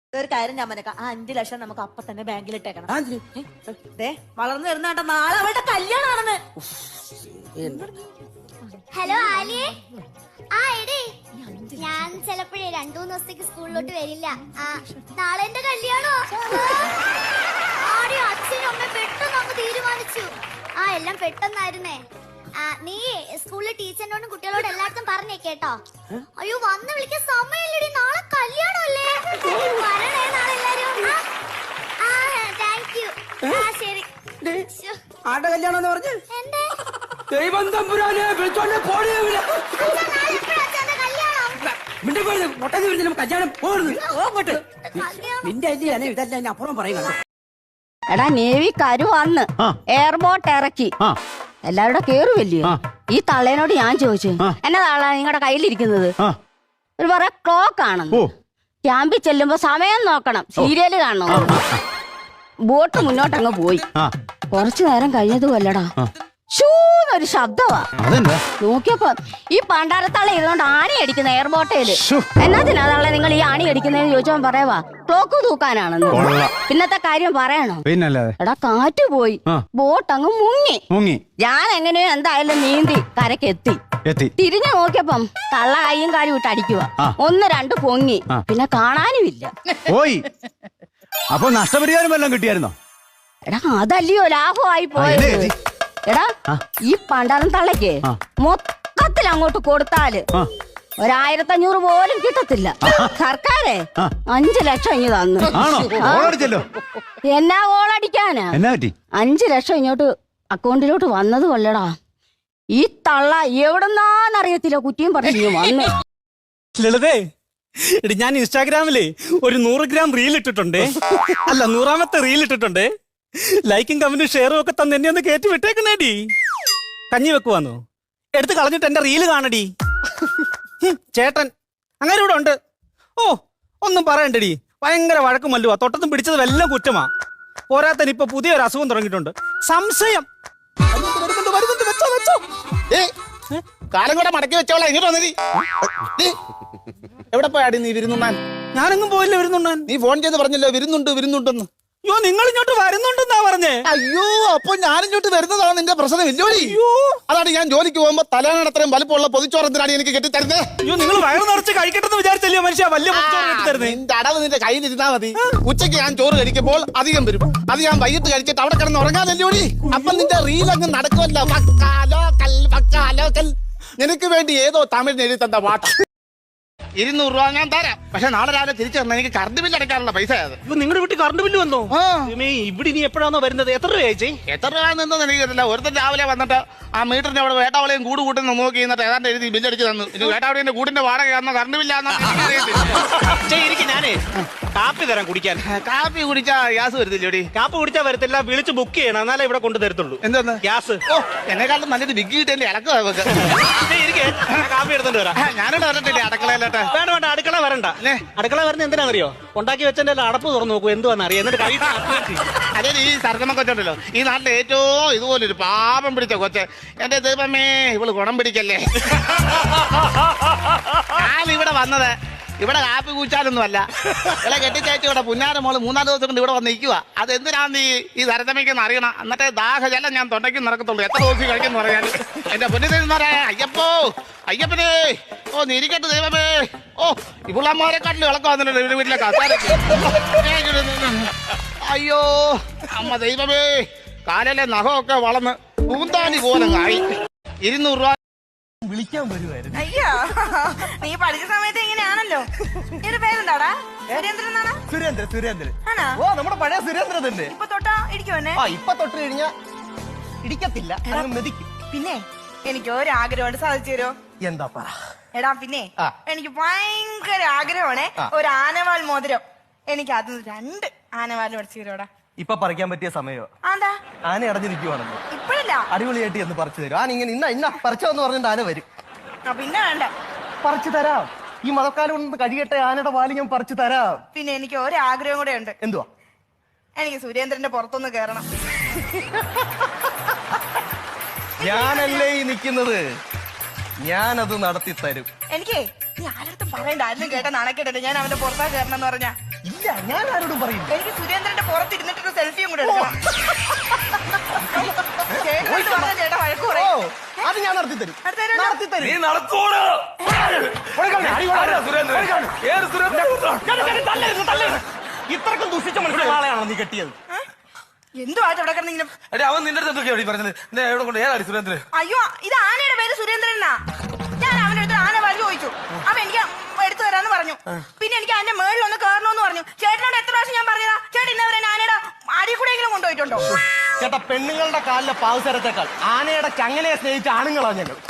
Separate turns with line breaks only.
ഒരു കാര്യം ഞാൻ മനക്കാം, ആ 5 ലക്ഷം നമുക്ക് അപ്പൊ തന്നെ ബാങ്കിൽ ഇട്ടേക്കണം. വളർന്നു വരുന്ന നാളെ അവളുടെ കല്യാണമാണെന്ന്.
ഹലോ ആലിയെ. ആ എടേ, ഞാൻ ചിലപ്പോഴേ 2-3 ദിവസത്തേക്ക് സ്കൂളിലോട്ട് വരില്ല. നാളെ എന്റെ കല്യാണോ? ആടി അച്ഛനും അമ്മ പെട്ടെന്ന് അങ്ങ് തീരുമാനിച്ചു. എല്ലാം പെട്ടെന്നായിരുന്നേ. നീ സ്കൂളിലെ ടീച്ചറിനോടും കുട്ടികളോടും എല്ലായിടത്തും പറഞ്ഞേ കേട്ടോ. അയ്യോ വന്ന് വിളിക്കാൻ സമയമില്ലടി, നാളെ കല്യാണമല്ലേ. വരണേ നാളെ എല്ലാരും. Thank you. ശരി.
ആരുടെ കല്യാണം പറഞ്ഞു?
എന്റെ
ദൈവം തമ്പുരാനെ വിളിച്ചോണ്ട് പോടിയില്ല. കല്യാണം പോകരുത്. നിന്റെ അല്ലേ ഇതല്ല ഞാൻ അപ്പുറം പറയുക.
എടാ നേവിക്കാര് വന്ന് എയർബോട്ട് ഇറക്കി എല്ലാവരുടെ കേറുവല്ലേ. ഈ തള്ളേനോട് ഞാൻ ചോദിച്ചു, എന്നാ തള്ള നിങ്ങളുടെ കയ്യിലിരിക്കുന്നത്? ഒരു പറയാ ക്ലോക്ക് ആണെന്ന്. ക്യാമ്പിൽ ചെല്ലുമ്പോ സമയം നോക്കണം, സീരിയല് കാണണം. ബോട്ട് മുന്നോട്ടങ്ങ് പോയി. കുറച്ചു നേരം കഴിഞ്ഞതുമല്ലടാ, ഷൂന്നൊരു ശബ്ദമാ. നോക്കിയപ്പോ ഈ പണ്ടാരത്തള്ള ഇതുകൊണ്ട് ആണി അടിക്കുന്ന എയർബോട്ടേല്. എന്നാത്തിനാ തള്ള നിങ്ങൾ ഈ ആണി അടിക്കുന്നതെന്ന് ചോദിച്ചോ പറയവാ ക്ലോക്ക് തൂക്കാനാണെന്ന്. പിന്നത്തെ കാര്യം പറയണോ? എടാ കാറ്റ് പോയി, ബോട്ട് അങ്ങ് മുങ്ങി. ഞാൻ എങ്ങനെയോ എന്തായാലും നീന്തി കരക്കെത്തി. തിരിഞ്ഞു നോക്കിയപ്പം തള്ള കൈയും കാലും ഇട്ട് അടിക്കുക. 1-2 പൊങ്ങി, പിന്നെ കാണാനുമില്ല.
അപ്പൊ നഷ്ടപരിഹാരം വല്ലതും കിട്ടിയായിരുന്നോ?
എടാ അതല്ലയോ ലാഭമായി പോയത്. എടാ ഈ പണ്ടാരം തള്ളയ്ക്ക് മൊത്തത്തിൽ അങ്ങോട്ട് കൊടുത്താല് 1500 പോലും കിട്ടത്തില്ല. സർക്കാരെ 5 ലക്ഷം ഇങ്ങ് തന്നു. എന്നാ ഗോളടിക്കാനാ? 5 ലക്ഷം ഇങ്ങോട്ട് അക്കൗണ്ടിലോട്ട് വന്നത് കൊല്ലടാ. ഈ തള്ള എവിടെന്നാന്നറിയത്തില്ല കുറ്റിയും പറഞ്ഞു വന്നു.
ലളിതേ, ഞാൻ ഇൻസ്റ്റാഗ്രാമില് ഒരു 100 ഗ്രാം റീൽ ഇട്ടിട്ടുണ്ടേ. അല്ല 100ാമത്തെ റീൽ ഇട്ടിട്ടുണ്ടേ. ലൈക്കും കമന്റും ഷെയറും ഒക്കെ തന്നെ എന്നെ ഒന്ന് കയറ്റി വിട്ടേക്കണേടി. കഞ്ഞി വെക്കുവാന്നോ? എടുത്ത് കളഞ്ഞിട്ട് എന്റെ റീല് കാണടി. ചേട്ടൻ അങ്ങനെ ഇവിടെ ഉണ്ട്. ഒന്നും പറയണ്ടടി, ഭയങ്കര വഴക്കും മല്ലുവാ. തൊട്ടത്തും പിടിച്ചത് എല്ലാം കുറ്റമാ. പോരാത്തന് ഇപ്പൊ പുതിയൊരു അസുഖം തുടങ്ങിയിട്ടുണ്ട്, സംശയം.
കാലം കൂടെ മടക്കി വെച്ചോളാം. ഇങ്ങോട്ട് വന്നതി. എവിടെ പോയാടി നീ വിരുന്നുണ്ണാൻ?
ഞാനെങ്ങും പോയില്ല വിരുന്നുണ്ണാൻ.
നീ ഫോൺ ചെയ്ത് പറഞ്ഞല്ലോ വിരുന്നുണ്ടെന്ന്.
അയ്യോ നിങ്ങൾ ഇങ്ങോട്ട് വരുന്നുണ്ടെന്നാ പറഞ്ഞേ.
അയ്യോ അപ്പൊ ഞാനിങ്ങോട്ട് വരുന്നതാണ് നിന്റെ പ്രശ്നം ഇല്ലോടി. അതാണ് ഞാൻ ജോലിക്ക് പോകുമ്പോ തലേണ അത്രയും വലുപ്പമുള്ള പൊതിച്ചോറത്തിനാണ് എനിക്ക് കെട്ടിത്തരുന്നത്.
അയ്യോ നിങ്ങൾ വയറ് നിറച്ച് കഴിക്കട്ടെന്ന് വിചാരിച്ചല്ലോ മനുഷ്യ വലിയ കെട്ടിത്തരുന്നത്.
നിന്റെ അടവ് നിന്റെ കയ്യിലിരുന്നാ മതി. ഉച്ചയ്ക്ക് ഞാൻ ചോറ് കഴിക്കുമ്പോൾ അധികം വരും. അത് ഞാൻ വൈകിട്ട് കഴിച്ചിട്ട് അവിടെ കിടന്ന് ഉറങ്ങാതല്ലോടി. അപ്പൊ നിന്റെ റീൽ അങ്ങ് നടക്കുമല്ലോ. നിനക്ക് വേണ്ടി ഏതോ തമിഴിന് എഴുതി തന്ന പാട്ട. 200 രൂപ ഞാൻ തരാം. പക്ഷെ നാളെ രാവിലെ തിരിച്ചു തന്ന എനിക്ക് കറണ്ട് ബില്ല് അടയ്ക്കാനുള്ള പൈസ.
നിങ്ങളുടെ വീട്ടിൽ കറണ്ട് ബില്ല് വന്നോ? ഇവിടെ ഇനി എപ്പോഴാണോ വരുന്നത്? എത്ര രൂപയായി?
എത്ര രൂപ നിന്നൊന്നും എനിക്കറിയില്ല. ഒരുത്തൻ രാവിലെ വന്നിട്ട് ആ മീറ്ററിന്റെ അവിടെ വേട്ടാവളയും കൂട് കൂട്ടുന്ന നോക്കി എന്നിട്ട് ഏതാണ്ട് എഴുതി ബില്ലടിച്ച് തന്നു. ഇനി വേട്ടാവളിന്റെ കൂടിന്റെ വാടകയാണോ കറണ്ട് ബില്ലാന്നോ
ഞാനേ കാപ്പി തരാം കുടിക്കാൻ.
കാപ്പി കുടിച്ചാ ഗ്യാസ് വരുത്തില്ലോടി?
കാപ്പി കുടിച്ചാൽ വരത്തില്ല, വിളിച്ച് ബുക്ക് ചെയ്യണം, എന്നാലേ ഇവിടെ കൊണ്ട് തരത്തുള്ളൂ.
എന്താ
ഗ്യാസ്?
എന്നെക്കാളും നല്ലത് ബിഗ് കിട്ടേണ്ടി ഇളക്കുക.
കാപ്പി എടുത്തോണ്ട് വരാം.
ഞാനിവിടെ വരട്ടില്ലേ അടുക്കളയിലോട്ട്?
വേണ്ട അടുക്കള വരണ്ട. അടുക്കള വരുന്ന എന്തിനാണെന്നറിയോ? ഉണ്ടാക്കി വെച്ചെന്റെ അടപ്പ് തുറന്നു നോക്കൂ എന്തുവാന്ന് അറിയാം. എന്നിട്ട്
അതെ ഈ സർഗമ കൊച്ചുണ്ടല്ലോ, ഈ നാട്ടിലെ ഏറ്റവും ഇതുപോലൊരു പാപം പിടിച്ച കൊച്ച്. എന്റെ ദൈവമേ ഇവള് ഗുണം പിടിക്കല്ലേ. ഞാൻ ഇവിടെ വന്നത് ഇവിടെ കാപ്പി കൂച്ചാലൊന്നും അല്ല. ഇവിടെ കെട്ടിച്ചയച്ചു ഇവിടെ പുന്നാര മോള് 3-4 ദിവസം കൊണ്ട് ഇവിടെ വന്ന് നിൽക്കുക. അത് എന്തിനാന്ന് ഈ തരതമയ്ക്കെന്ന് അറിയണം. എന്നിട്ടേ ദാഹജലം ഞാൻ തൊണ്ടയ്ക്ക് നടക്കത്തുള്ളൂ. എത്ര ദിവസം കഴിക്കുന്നു പറയാൻ. എന്റെ പൊന്നിതന്മാരെ അയ്യപ്പനെ നിരിക്കട്ടെ ദൈവമേ. ഇവളമ്മമാരെക്കാട്ടിലും ഇളക്കം വന്നിട്ടുണ്ട് വീട്ടിലെ കസാരക്ക്. അയ്യോ അമ്മ ദൈവമേ, കാലിലെ നഖമൊക്കെ വളർന്ന് പൂന്താനി പോലെ ആയി. 200 രൂപ
വിളിക്കാൻ വരുമായിരുന്നു. അയ്യോ നീ പഠിച്ച സമയത്ത് എങ്ങനെയാണല്ലോ. എന്റെ പേരെന്താടാ? സുരേന്ദ്രൻ.
ഓ നമ്മുടെ പഴയ സുരേന്ദ്രൻ തന്നെ.
ഇപ്പൊ തൊട്ടാ ഇടിക്കുവന്നെ?
ഇപ്പൊ തൊട്ട് കഴിഞ്ഞാ ഇടിക്കത്തില്ല, മെതിക്കും.
പിന്നെ എനിക്ക് ഒരാഗ്രഹമുണ്ട്, സാധിച്ചു തരുമോ?
എന്താ പറ.
എടാ പിന്നെ എനിക്ക് ഭയങ്കര ആഗ്രഹമാണ് ഒരു ആനവാൽ മോതിരം. എനിക്ക് അത് 2 ആനവാൽ പഠിച്ചു തരുമോടാ?
ഇപ്പൊ പറിക്കാൻ പറ്റിയ സമയോ?
ആന്താ?
ആന അടഞ്ഞു നിൽക്കുവാണെന്ന്.
ഇപ്പഴല്ല,
അടിപൊളിയായിട്ട് എന്ന് പറിച്ചു തരും. ആന ഇങ്ങനെ ഇന്ന പറിച്ചോന്ന് പറഞ്ഞിട്ട് ആന വരും.
പിന്നെ വേണ്ട,
പറിച്ചു തരാം. ഈ മഴക്കാലം കൊണ്ട് കഴിയട്ടെ, ആനയുടെ പാല് ഞാൻ പറിച്ചു തരാം.
പിന്നെ എനിക്ക് ഒരാഗ്രഹം കൂടെ ഉണ്ട്.
എന്തുവാ?
എനിക്ക് സുരേന്ദ്രന്റെ പുറത്തൊന്ന് കേറണം.
ഞാനല്ലേ ഈ നിക്കുന്നത്. ഞാനത് നടത്തി തരും.
എനിക്ക് നീ ആരടുത്തും പറയണ്ട, ആരും കേട്ട നാണക്കേട്ടെ ഞാൻ അവന്റെ പുറത്താ കയറണം എന്ന് പറഞ്ഞാ.
ഇല്ല, ഞാൻ ആരോടും പറയും.
എനിക്ക് സുരേന്ദ്രന്റെ പുറത്തിരുന്നിട്ടൊരു സെൽഫിയും കൂടെ എടുക്കണം. ചേട്ടനടുത്ത് പറഞ്ഞാ ചേട്ടാ വഴക്ക്
ഓ,
പറയും.
അത് ഞാൻ നടത്തി തരും.
നടത്തി തരുമല്ലോ?
നടത്തി തരും.
നീ നടത്തോട്
ഇത്രക്കും ദുഷിച്ച മനസ്സിലുള്ള ആളെയാണോ നീ കെട്ടിയത്?
എന്തുവായിട്ട് ഇവിടെ കിടന്നിങ്ങനെ?
എടി അവൻ നിന്റെ അടുത്ത് എന്തൊക്കെയാ പറഞ്ഞത്? നിന്നെ എവിടെ കൊണ്ട് ഏതാടി സുരേന്ദ്രൻ?
അയ്യോ, ഇത് ആനയുടെ പേര് സുരേന്ദ്രനാ. ഞാൻ അവന്റെ അടുത്ത് ആന വാല് ചോദിച്ചു. അവൻ എനിക്ക് എടുത്തു തരാന്ന് പറഞ്ഞു. പിന്നെ എനിക്ക് അതിന്റെ മേളിൽ ഒന്ന് കയറണമെന്ന് പറഞ്ഞു. ചേട്ടനോട് എത്ര പ്രാവശ്യം ഞാൻ പറഞ്ഞതാ? ചേട്ടൻ ഇന്നവരെ ആനയുടെ അടി കൂടെയെങ്കിലും കൊണ്ടുപോയിട്ടുണ്ടോ?
ചേട്ടാ, പെണ്ണുങ്ങളുടെ കാലിലെ പാവസരത്തെക്കാൾ ആനയുടെ ചങ്ങലയെ സ്നേഹിച്ച ആണുങ്ങളാ ഞങ്ങൾ.